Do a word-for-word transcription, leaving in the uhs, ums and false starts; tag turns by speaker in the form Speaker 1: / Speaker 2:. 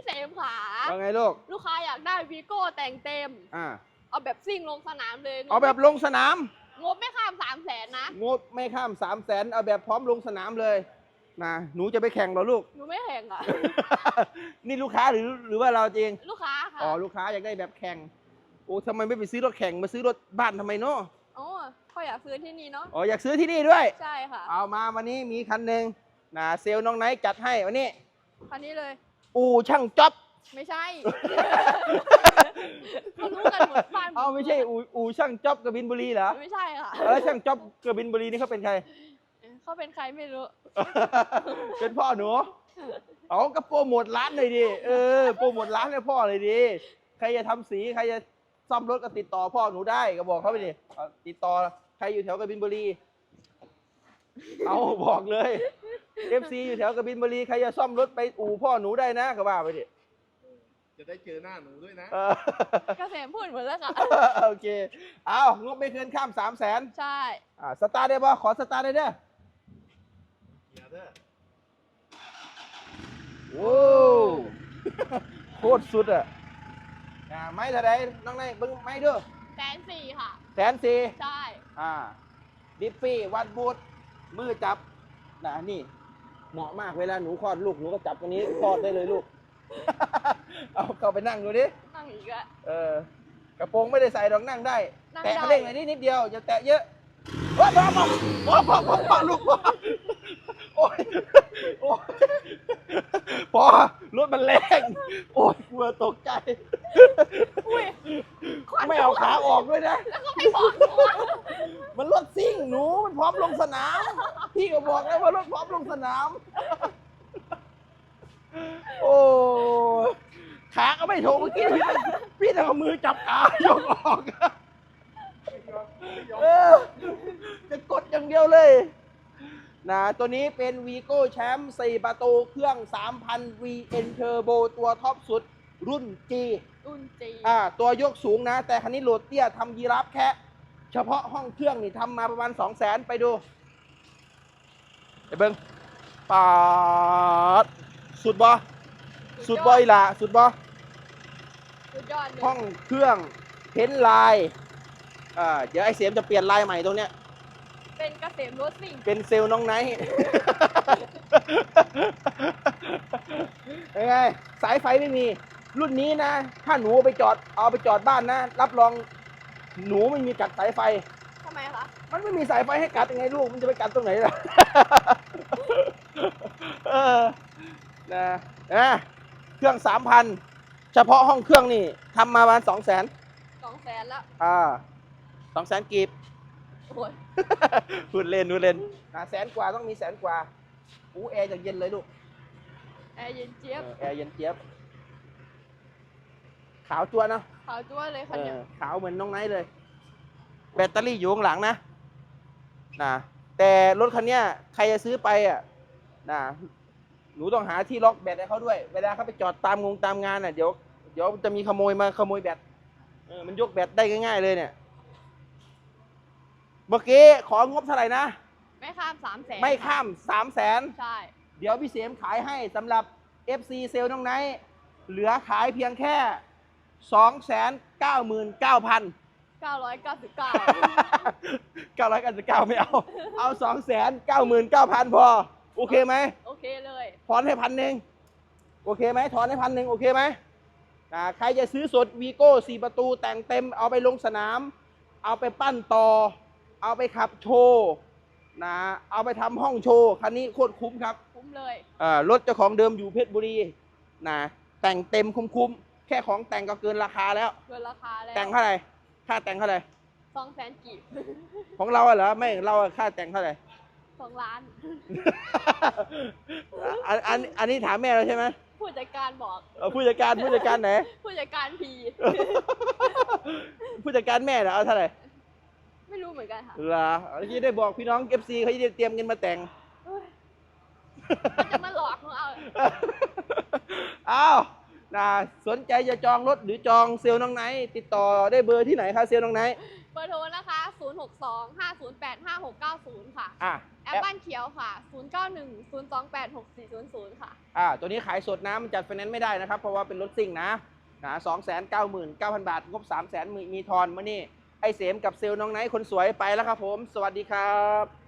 Speaker 1: เสมขา
Speaker 2: ว่าไงลูก
Speaker 1: ลูกค้าอยากได้วีโก้แต่งเต็ม
Speaker 2: อ่า
Speaker 1: เอาแบบซิ่งลงสนามเลย
Speaker 2: เอาแบบลงสนาม
Speaker 1: งบไม่ข้ามสามแสนนะ
Speaker 2: งบไม่ข้ามสามแสนเอาแบบพร้อมลงสนามเลยนะหนูจะไปแข่งเหรอลูก
Speaker 1: หนูไม่แข่งอ่ะ
Speaker 2: นี่ลูกค้าหรือหรือว่าเราจริง
Speaker 1: ลูกค้าค่ะ
Speaker 2: อ๋อลูกค้าอยากได้แบบแข่งโอ้ทำไมไม่ไปซื้อรถแข่งมาซื้อรถบ้านทำไมเนาะ
Speaker 1: อ๋อเขาอยากซื้อที่นี่เนาะ
Speaker 2: อ๋ออยากซื้อที่นี่ด้วย
Speaker 1: ใช่ค่ะ
Speaker 2: เอามาวันนี้มีคันหนึ่งนะเซลล์น้องไนท์จัดให้วันนี้
Speaker 1: คันนี้เลย
Speaker 2: อู่ช่างจ๊อบ
Speaker 1: ไม่ใช่เขารู้กันหมดบ้าน
Speaker 2: เอาไม่ใช่อู่อู่ช่างจ๊อบกบินบุรีเหรอ
Speaker 1: ไม่ใช่ค่ะ
Speaker 2: แล้วช่างจ๊อบกบินบุรีนี่เขาเป็นใคร
Speaker 1: เขาเป็นใครไม่รู้
Speaker 2: เป็นพ่อหนูเอาก็โปรโมทร้านเลยดิเออโปรโมทร้านให้พ่อเลยดิใครจะทำสีใครจะซ่อมรถก็ติดต่อพ่อหนูได้ก็บอกเขาไปดิติดต่อใครอยู่แถวกบินบุรีเอาบอกเลย เอฟ ซี อยู่แถวกบินบุรีใครจะซ่อมรถไปอู่พ่อหนูได้นะก็ว่าไปดิ
Speaker 3: จะได้เจอหน้าหนูด้วยนะ
Speaker 1: เกษมพูดหมดแล้วค่ะ
Speaker 2: โอเคเอางบไม่เกินข้ามสามแสน
Speaker 1: ใช่
Speaker 2: อ่าสตาร์ทได้ป่ะขอสตาร์ทได้เด้อ
Speaker 3: เดี๋ยวเด้อ
Speaker 2: โอ้โคตรสุดอ่ะอ่าไม้เท่าไรน้องนายเบิ้งไม้ด้วย
Speaker 1: แสนสี่ค่ะ
Speaker 2: แสนสี่
Speaker 1: ใช่
Speaker 2: อ่าดิฟฟี่วัดบูทมือจับนะนี่เหมาะมากเวลาหนูคลอดลูกหนูก็จับตรงนี้คลอดได้เลยลูกเอาเข้าไปนั่งดูดิ
Speaker 1: นั่งอีกอะ
Speaker 2: เออกระโปรงไม่ได้ใส่ดอกนั่งได้แตะเร่งหน่อยนิดนิดเดียวอย่าแตะเยอะโอ้ยพ่อพ่อพ่อพ่อพ่อลูกพ่อโอ้ยโอ้ยพ่อรถมันแรงโอ้ยกลัวตกใจไม่เอาขาออกด้วยนะ
Speaker 1: แล้วก็ไม่บอกหนู
Speaker 2: มันรถซิ่งหนูมันพร้อมลงสนามพี่ก็บอกแล้วว่ารถพร้อมลงสนามโอ้ขาก็ไม่โถเมื่อกี้พี่พี่ต้องเอามือจับขายกออกเออจะกดอย่างเดียวเลยนะตัวนี้เป็น Vigo Champ สี่ประตูเครื่อง สามพัน วี เอ็น Turbo ตัวท็อปสุดรุ่น G
Speaker 1: รุ่น G
Speaker 2: อ่าตัวยกสูงนะแต่คันนี้โหลดเตี้ยทำยีราฟแค่เฉพาะห้องเครื่องนี่ทำมาประมาณ สองแสน ไปดูไปเบิ้งปาดสุดบ่สุดบ่อีหล่ะสุดบ่
Speaker 1: สุดยอดเลย
Speaker 2: ห้องเครื่องเพ้นลายอ่าเดี๋ยวไอ้เสียมจะเปลี่ยนลายใหม่ตรงเนี้ย
Speaker 1: เป็นเกษมรถซิ่ง
Speaker 2: เป็นเซลล์น้องไนท์ยังไงสายไฟไม่มีรุ่นนี้นะถ้าหนูไปจอดเอาไปจอดบ้านนะรับรองหนูไม่มีกัดสายไฟ
Speaker 1: ทำไมคะ
Speaker 2: มันไม่มีสายไฟให้กัดยังไงลูกมันจะไปกัดตรงไหนล่ะเออนะนะเครื่องสามพันเฉพาะห้องเครื่องนี่ทำมาประมาณสองแสน
Speaker 1: สองแสนแล้ว
Speaker 2: อ่าสองแสนกีบพูดเล่นพูดเล่นหาแสนกว่าต้องมีแสนกว่าอู้แอร์จะเย็นเลยลูก
Speaker 1: แอร์เย็นเจี๊ยบ
Speaker 2: แอร์เย็นเจี๊ยบขาวจั่วเนาะ
Speaker 1: ขาวจั่วเลยคันนี้
Speaker 2: ขาวเหมือนน้องไนท์เลยแบตเตอรี่อยู่ข้างหลังนะนะแต่รถคันนี้ใครจะซื้อไปอ่ะนะหนูต้องหาที่ล็อกแบตให้เขาด้วยเวลาเขาไปจอดตามงงตามงานอ่ะเดี๋ยวเดี๋ยวจะมีขโมยมาขโมยแบตเออมันยกแบตได้ง่ายๆเลยเนี่ยเมื่อกี้ของบเท่าไหร่นะ
Speaker 1: ไม่ข้ามสามแสน
Speaker 2: ไม่ข้ามสามแสน
Speaker 1: ใช่
Speaker 2: เดี๋ยวพี่เสียมขายให้สำหรับ เอฟ ซี เซลล์น้องไนท์เหลือขายเพียงแค่ สองแสนเก้าหมื่นเก้าพัน
Speaker 1: เก้าร้อยเก้าสิบเก้า
Speaker 2: เก้าร้อยเก้าสิบเก้าไม่เอาเอา สองแสนเก้าหมื่นเก้าพัน พอโอเคไหม
Speaker 1: โอเคเลย
Speaker 2: ถอนให้พันหนึ่งโอเคไหมถอนให้พันหนึ่งโอเคไหมอ่าใครจะซื้อสด Vigo สี่ประตูแต่งเต็มเอาไปลงสนามเอาไปปั้นต่อเอาไปขับโชว์นะเอาไปทำห้องโชว์คันนี้โคตรคุ้มครับ
Speaker 1: คุ้มเลย
Speaker 2: อ่ารถเจ้าของเดิมอยู่เพชรบุรีนะแต่งเต็มคุ้มๆแค่ของแต่งก็เกินราคาแล้ว
Speaker 1: เกินราคาแล้ว
Speaker 2: แต่งเท่าไหร่ค่าแต่งเท่าไหร่
Speaker 1: สองแสนกีบ
Speaker 2: ของเราเหรอไม่เราค่าแต่งเท่าไหร่
Speaker 1: สองล้าน
Speaker 2: อันอันอันนี้ถามแม่เราใช่ไหม
Speaker 1: ผู้จัดการบอก
Speaker 2: ผู้จัดการผู้จัดการไหน
Speaker 1: ผู้จัดการพี
Speaker 2: ผู้จัดการแม่เหรอเอาเท่าไหร่
Speaker 1: ไม่รู้เหมือนกันค่ะ
Speaker 2: เหรอที่ได้บอกพี่น้อง เอฟ ซี เขาจะได้เตรียมเงินมาแต่ง
Speaker 1: เขาจะมาหลอกเราเอา
Speaker 2: อ้าวนะสนใจจะจองรถหรือจองเซลล์น้องไนท์ติดต่อได้เบอร์ที่ไหนคะเซลล์น้องไนท์
Speaker 1: เบอร์โทรนะคะ ศูนย์ หก สอง ห้า ศูนย์ แปด ห้า หก เก้า ศูนย์ ค่ะ
Speaker 2: อ่ะ
Speaker 1: แอปบ้านเขียวค่ะ ศูนย์ เก้า หนึ่ง ศูนย์ สอง แปด หก สี่ ศูนย์ ศูนย์ ค่ะ
Speaker 2: อ่าตัวนี้ขายสดนะมันจัดไฟแนนซ์ไม่ได้นะครับ เพราะว่าเป็นรถซิ่งนะนะสองแสนเก้าหมื่นเก้าพันบาท งบสามแสนมีมีทอนมานี่ ไอเสมกับเซลล์น้องไนท์คนสวยไปแล้วครับผม สวัสดีครับ